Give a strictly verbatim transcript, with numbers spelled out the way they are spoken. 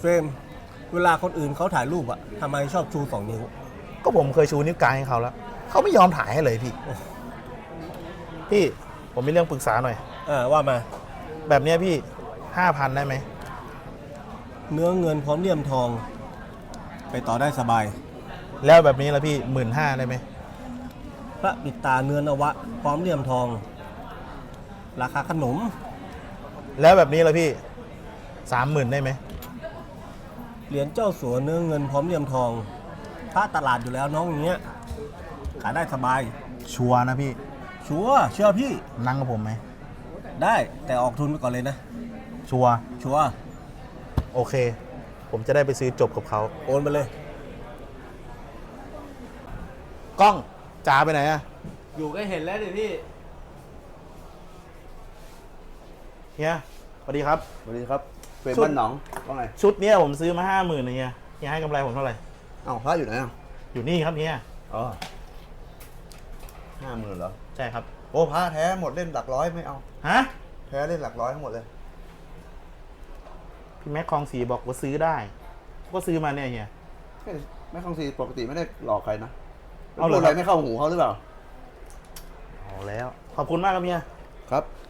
เฟรมเวลาคนอื่นเขาถ่ายรูปอะทำไมชอบชูสองนิ้วก็ผมเคยชูนิ้วกลางให้เขาแล้วเขาไม่ยอมถ่ายให้เลยพี่พี่ผมมีเรื่องปรึกษาหน่อยเออว่ามาแบบเนี้ยพี่ห้าพันได้ไหมเนื้อเงินพร้อมเลี่ยมทอง ไปต่อได้สบายแล้วแบบนี้ละพี่หมื่นห้าได้ไหมพระปิดตาเนื้อนวะ พร้อมเลี่ยมทอง ราคาขนมแล้วแบบนี้ละพี่สามหมื่นได้ไหมเหรียญเจ้าสัวเนื้อเงินพร้อมเลี่ยมทองพระตลาดอยู่แล้วน้องอย่างเงี้ยขายได้สบายชัวร์นะพี่ชัวร์เชื่อพี่นั่งกับผมไหมได้แต่ออกทุนไปก่อนเลยนะชัวร์ชัวร์โอเค ผมจะได้ไปซื้อจบกับเขาโอนไปเลยกล้องจ๋าไปไหนอะอยู่ก็เห็นแล้วดิพี่เฮียสวัสดีครับสวัสดีครับเฟรมชุดบ้านหนองว่าไงชุดเนี้ยผมซื้อมาห้าหมื่นเฮียเฮียให้กำไรผมเท่าไหร่เอ้าพระอยู่ไหนอ่ะอยู่นี่ครับเฮียอ๋อห้าหมื่นเหรอใช่ครับโอ้พระแท้หมดเล่นหลักร้อยไม่เอาฮะแท้เล่นหลักร้อยทั้งหมดเลยพี่แม็กคลองสีบอกว่าซื้อได้ก็ซื้อมาเนี่ยเฮียแม่แม่คองซีปกติไม่ได้หลอกใครนะเอาเหรอพูดอะไรไม่เข้าหูเขาหรือเปล่าเอาแล้ว ขอบคุณมากครับเฮียครับ